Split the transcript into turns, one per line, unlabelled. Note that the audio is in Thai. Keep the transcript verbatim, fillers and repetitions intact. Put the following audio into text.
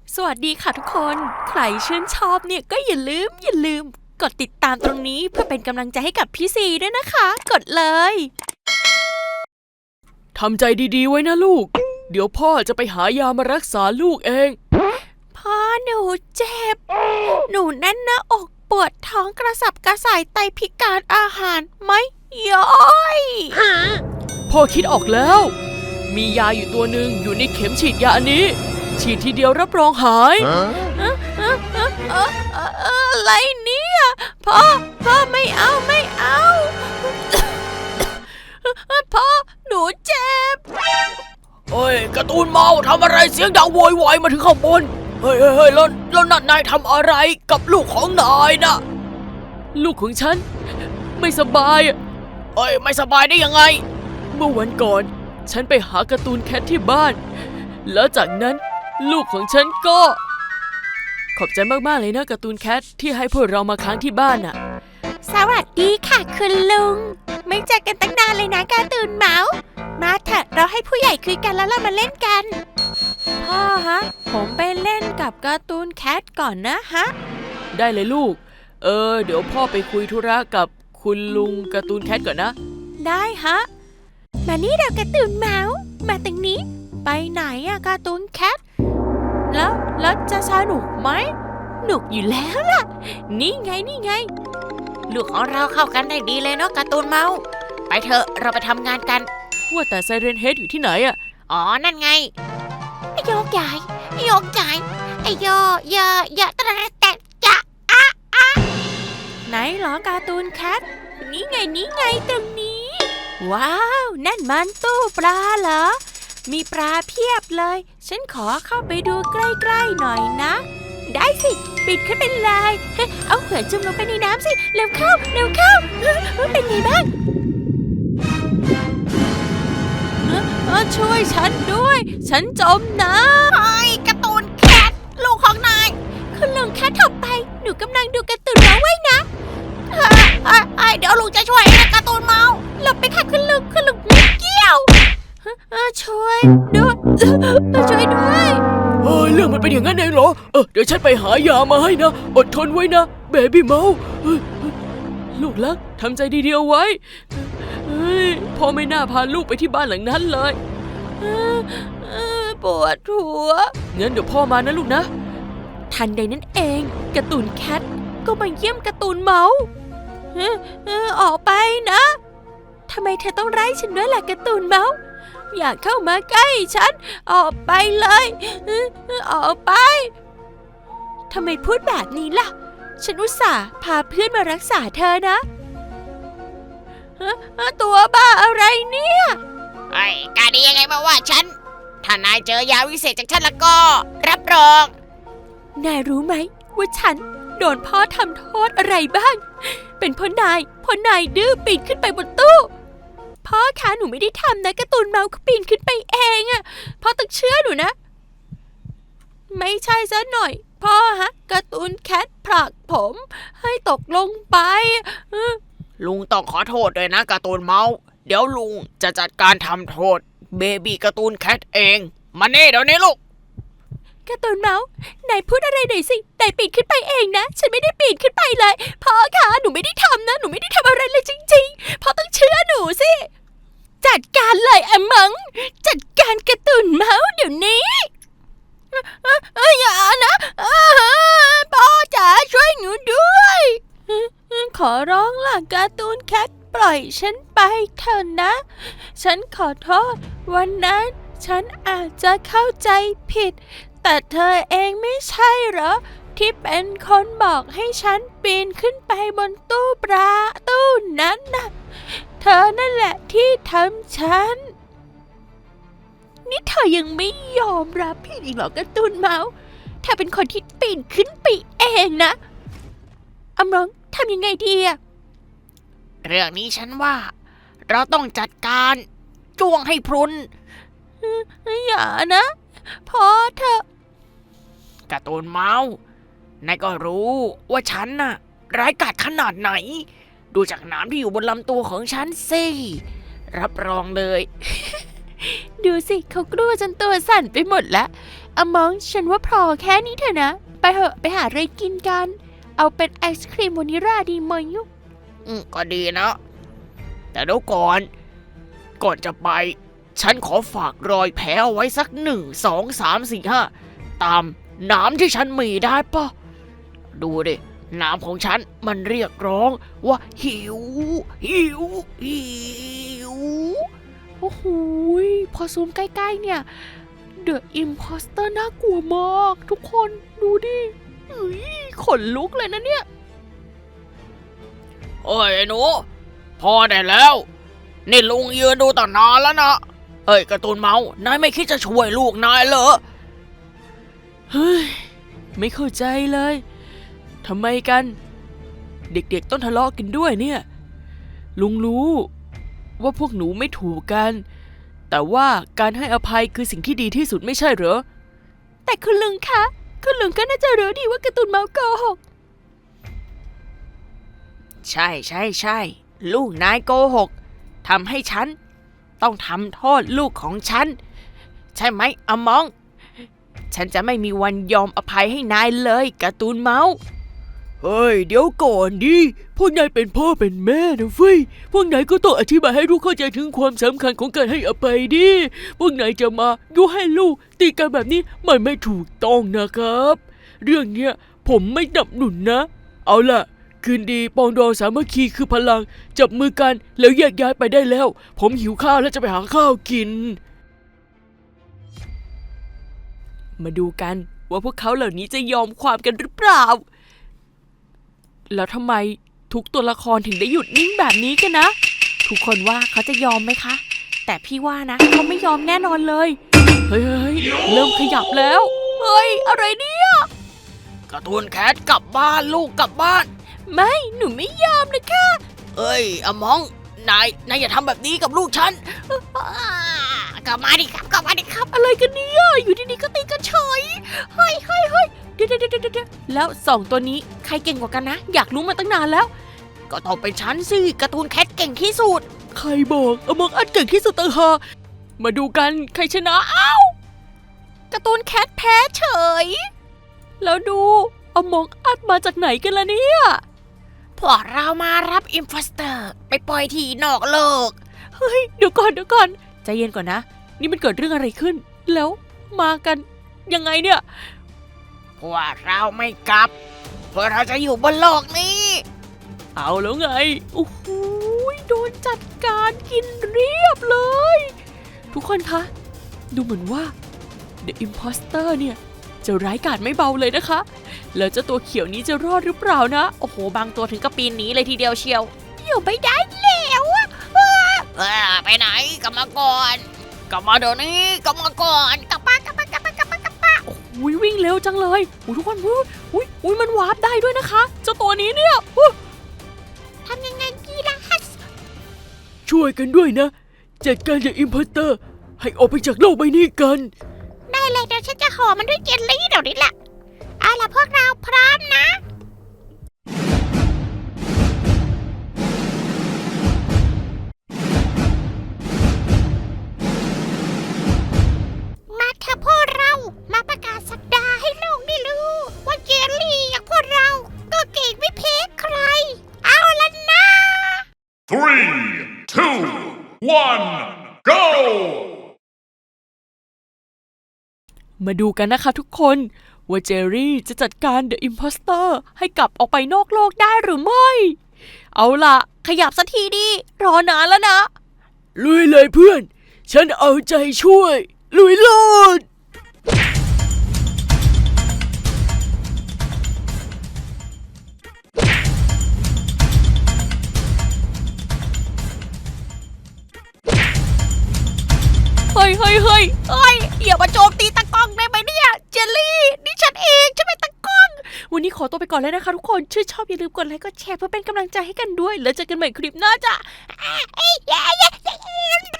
สวัสดีค่ะทุกคนใครชื่นชอบเนี่ยก็อย่าลืมอย่าลืมกดติดตามตรงนี้เพื่อเป็นกำลังใจให้กับพี่ซีด้วยนะคะกดเลย
ทำใจดีๆไว้นะลูกเดี๋ยวพ่อจะไปหายามารักษาลูกเอง
พ่อหนูเจ็บหนูแน่นหน้าอกปวดท้องกระสับกระส่ายไตพิการอาหารไม่ย่อย
พ่อคิดออกแล้วมียาอยู่ตัวหนึ่งอยู่ในเข็มฉีดยาอันนี้ฉีดทีเดียวรับรองหาย
อะไรเนี่ยพ่อพ่อไม่เอาไม่เอาพ่อหนูเจ็บ
เฮ้ยการ์ตูนเมาทำอะไรเสียงดังโวยวายมาถึงข้างบนเฮ้ยเฮ้ยแล้วแล้วนั่นนายทำอะไรกับลูกของนายนะลูกของฉันไม่สบายเอ้ยไม่สบายได้ยังไงเมื่อวันก่อนฉันไปหาการ์ตูนแคทที่บ้านแล้วจากนั้นลูกของฉันก็ขอบใจมากๆเลยนะการ์ตูนแคทที่ให้พวกเรามาค้างที่บ้านน่ะ
สวัสดีค่ะคุณลุงไม่เจอกันตั้งนานเลยนะการ์ตูนเมาส์มาเถอะเราให้ผู้ใหญ่คุยกันแล้วเรามาเล่นกันพ่อฮะผมไปเล่นกับการ์ตูนแคทก่อนนะฮะ
ได้เลยลูกเออเดี๋ยวพ่อไปคุยธุระกับคุณลุงการ์ตูนแคทก่อนนะ
ได้ฮะมานี่เราการ์ตูนเมาส์มาตรงนี้ไปไหนอะการ์ตูนแคทแล้วแล้วจะสนุกไหมหนุกอยู่แล้วล่ะนี่ไงนี่ไงลูกของเราเข้ากันได้ดีเลยเนาะการ์ตูนเมาส์ไปเถอะเราไปทำงานกัน
ว่าแต่ไซเรนเฮดอยู่ที่ไหนอะ
อ๋อนั่นไงไอ้โยกใหญ่ไอ้โยกใหญ่ไอ้โยยอยตระแตะจะอะอะไหนหรอการ์ตูนแคทนี่ไงนี่ไงตรงนี้ว้าวนั่นมันตู้ปลาเหรอมีปลาเพียบเลยฉันขอเข้าไปดูใกล้ๆหน่อยนะได้สิปิดขึ้นเป็นลายเอาหัวจุ่มลงไปในน้ำสิเร็วเข้าเร็วเข้าเป็นไงบ้างช่วยฉันด้วยฉันจมน้ำไอ้การ์ตูนแคทลูกของนายคุณลุงแคทถบไปหนูกำลังดูการ์ตูนมาไว้นะไอ้เดี๋ยวลุงจะช่วยนะการ์ตูนเมาหลบไปค่ะคุณลุงคุณลุงไม่เกี่ยวช่วยด้วยช่วยด้วย
เฮ้ยเรื่องมันเป็นอย่างนั้นเองเหรอเออเดี๋ยวฉันไปหายามาให้นะอดทนไว้นะเบบี้เมาลูกรักทำใจดีๆเอาไว้เฮ้ยพ่อไม่น่าพาลูกไปที่บ้านหลังนั้นเลย
ปวดหัว
งั้นเดี๋ยวพ่อมานะลูกนะ
ทันใดนั้นเองการ์ตูนแคทก็มาเยี่ยมการ์ตูนเมาส์ออกไปนะทำไมเธอต้องไล่ฉันด้วยล่ะการ์ตูนเมาส์อย่าเข้ามาใกล้ฉันออกไปเลยออกไปทำไมพูดแบบนี้ล่ะฉันอุตส่าห์พาเพื่อนมารักษาเธอนะตัวบ้าอะไรเนี่ย
ไอ้กาดียังไงมาว่าฉันถ้านายเจอยาวิเศษจากฉันแล้วก็รับรอง
นายรู้ไหมว่าฉันโดนพ่อทำโทษอะไรบ้างเป็นเพราะนายเพราะนายดื้อปีนขึ้นไปบนตู้พ่อคะหนูไม่ได้ทำนะการ์ตูนเมาส์เขาปีนขึ้นไปเองอะพ่อต้องเชื่อหนูนะไม่ใช่ซะหน่อยพ่อฮะการ์ตูนแคทผลักผมให้ตกลงไป
ลุงต้องขอโทษด้วยนะการ์ตูนเมาส์เดี๋ยวลุงจะจัดการทำโทษเบบี้การ์ตูนแคทเองมาเน่เดี๋ยวนี้ลูก
การ์ตูนเมาส์นายพูดอะไรหน่อยสินายปีนขึ้นไปเองนะฉันไม่ได้ปีนขึ้นไปเลยพ่อคะหนูไม่ได้ทำนะหนูไม่ได้ทำอะไรเลยจริงๆพ่อต้องเชื่อหนูสิจัดการเลยอะมังจัดการการ์ตูนเมาส์เดี๋ยวนี้อย่านะพ่อจ๋าช่วยหนูด้วยขอร้องล่ะการ์ตูนแคทปล่อยฉันไปเถอะนะฉันขอโทษวันนั้นฉันอาจจะเข้าใจผิดแต่เธอเองไม่ใช่เหรอที่เป็นคนบอกให้ฉันปีนขึ้นไปบนตู้ปลาตู้นั้นน่ะเธอนั่นแหละที่ทำฉันนี่เธอยังไม่ยอมรับผิดอีกเหรอการ์ตูนเมาส์เธอเป็นคนที่ปีนขึ้นไปเองนะอำร้องทำยังไงดีอะ
เรื่องนี้ฉันว่าเราต้องจัดการจ้วงให้พรุน
อย่านะพอเถอะ
การ์ตูนเมาส์นายก็รู้ว่าฉันน่ะร้ายกาจขนาดไหนดูจากน้ำที่อยู่บนลำตัวของฉันสิรับรองเลย
ดูสิเขากลัวจนตัวสั่นไปหมดแล้วอะมองฉันว่าพอแค่นี้เถอะนะ ไปเหอะไปหาอะไรกินกัน เอาเป็นไอศครีมวานิลลาดีไหมยุ
อืมก็ดีนะ แต่เดี๋ยวก่อน ก่อนจะไป ฉันขอฝากรอยแผลเอาไว้สักหนึ่งสองสามสี่ห้าตามน้ำที่ฉันมีได้ปะดูดิน้ำของฉันมันเรียกร้องว่าหิว หิว หิว
โอ้โหยพอซูมใกล้ๆเนี่ย The Imposter น่ากลัวมากทุกคนดูดิเฮ้ยขนลุกเลยนะเนี่ย
โอ้ยไอ้หนูพอได้แล้ว นี่ลุงยืนดูตั้งนานแล้วนะ เอ้ยการ์ตูนเมาส์นายไม่คิดจะช่วยลูกนายเหรอ
เฮ้ยไม่เข้าใจเลยทำไมกัน เด็กๆต้องทะเลาะกันด้วยเนี่ย ลุงรู้ว่าพวกหนูไม่ถูกกัน แต่ว่าการให้อภัยคือสิ่งที่ดีที่สุดไม่ใช่เหรอ
แต่คุณลุงคะคุณลุงก็น่าจะรู้ดีว่าการ์ตูนเมาส์โกหก
ใช่ใช่ใช่ลูกนายโกหกทำให้ฉันต้องทำโทษลูกของฉัน ใช่ไหมอมอง ฉันจะไม่มีวันยอมอภัยให้นายเลยการ์ตูนเมาส์
เฮ้ยเดี๋ยวก่อนดิพวกนายเป็นพ่อเป็นแม่นะเฟ้ยพวกนายก็ต้องอธิบายให้ลูกเข้าใจถึงความสำคัญของการให้อภัยดิพวกนายจะมายุให้ลูกตีกันแบบนี้มันไม่ถูกต้องนะครับ เรื่องเนี้ยผมไม่สนับสนุนนะ เอาล่ะคืนดีปองดองสามัคคีคือพลังจับมือกันแล้วแยกย้ายไปได้แล้ว ผมหิวข้าวแล้วจะไปหาข้าวกิน มาดูกันว่าพวกเขาเหล่านี้จะยอมความกันหรือเปล่า แล้วทำไมทุกตัวละครถึงได้หยุดนิ่งแบบนี้กันนะ ทุกคนว่าเขาจะยอมไหมคะ แต่พี่ว่านะเขาไม่ยอมแน่นอนเลย เฮ้ยเฮ้ยเริ่มขยับแล้ว เฮ้ยอะไรเนี่ย
การ์ตูนแคทกลับบ้านลูกกลับบ้าน
ไม่หนูไม่ยอมนะคะ
เอ้ยอมอง นายนายอย่าทำแบบนี้กับลูกฉันกลับมาดิครับกลับมาดิครับ
อะไรกันเนี่ยอยู่ดีๆก็ตีกันเฉยเฮ้ยเฮ้ยเฮ้ยเดี๋ยวเดี๋ยวเดี๋ยวเดี๋ยวแล้วสองตัวนี้ใครเก่งกว่ากันนะ อยากรู้มาตั้งนานแล้ว
ก็ต้องเป็นฉันสิการ์ตูนแคทเก่งที่สุด
ใครบอกอมองอัดเก่งที่สุดต่างหากมาดูกันใครชนะอ้าว
การ์ตูนแคทแพ้เฉย แล้วดูเอามองอัดมาจากไหนกันล่ะเนี่ย
พวกเรามารับอิมโพสเตอร์ไปปล่อยที่นอกโลก
เฮ้ยเดี๋ยวก่อนเดี๋ยวก่อนใจเย็นก่อนนะ นี่มันเกิดเรื่องอะไรขึ้น แล้วมากันยังไงเนี่ย
พวกเราไม่กลับพวกเราจะอยู่บนโลกนี้
เอาแล้วไง
โอ้โหโดนจัดการกินเรียบเลย ทุกคนคะ ดูเหมือนว่า The Imposter เนี่ยจะร้ายกาจไม่เบาเลยนะคะ แล้วเจ้าตัวเขียวนี้จะรอดหรือเปล่านะ โอ้โหบางตัวถึงกับปีนหนีเลยทีเดียวเชียวอยู่ไม่ได้แล้วอะ
เออไปไหนกลับมาก่อนกลับมาเดี๋ยวนี้กลับมาก่อนกลับมากลับมากลับมากลับมากลับมา
อุ้ยวิ่งเร็วจังเลยอุ้ยทุกคนอุ้ยอุ้ยอุ้ยมันวาร์ปได้ด้วยนะคะเจ้าตัวนี้เนี่ยอุ๊ยทำยังไงดีล่ะฮัส
ช่วยกันด้วยนะ จัดการจากอิมพัตเตอร์ให้ออกไปจากโลกใบนี้กัน
ได้เลยเดี๋ยวฉันจะห่อมันด้วยเจลลี่เดี๋ยวนี้แหละเอาล่ะพวกเราพร้อมนะมาเถอะพวกเรามาประกาศสัปดาห์ให้โลกได้รู้ว่าเจลลี่อย่างพวกเราก็เก่งไม่แพ้ใครเอาล่ะนะ
Three, two, one, go!
มาดูกันนะคะทุกคนว่าเจอรี่จะจัดการ The Imposter ให้กลับออกไปนอกโลกได้หรือไม่ เอาล่ะ
ขยับสักทีดิรอนานแล้วนะ
ลุยเลยเพื่อน ฉันเอาใจช่วย ลุยโลด
เฮ้ยเฮ้ยเฮ้ยเฮ้ยอย่ามาโจมตีตะกล้องได้ไหมเนี่ยเจลลี่นี่ฉันเองฉันเป็นตะกล้อง วันนี้ขอตัวไปก่อนเลยนะคะทุกคนชื่นชอบอย่าลืมกดไลค์กดแชร์เพื่อเป็นกำลังใจให้กันด้วยแล้วเจอกันใหม่คลิปหน้าจ้ะ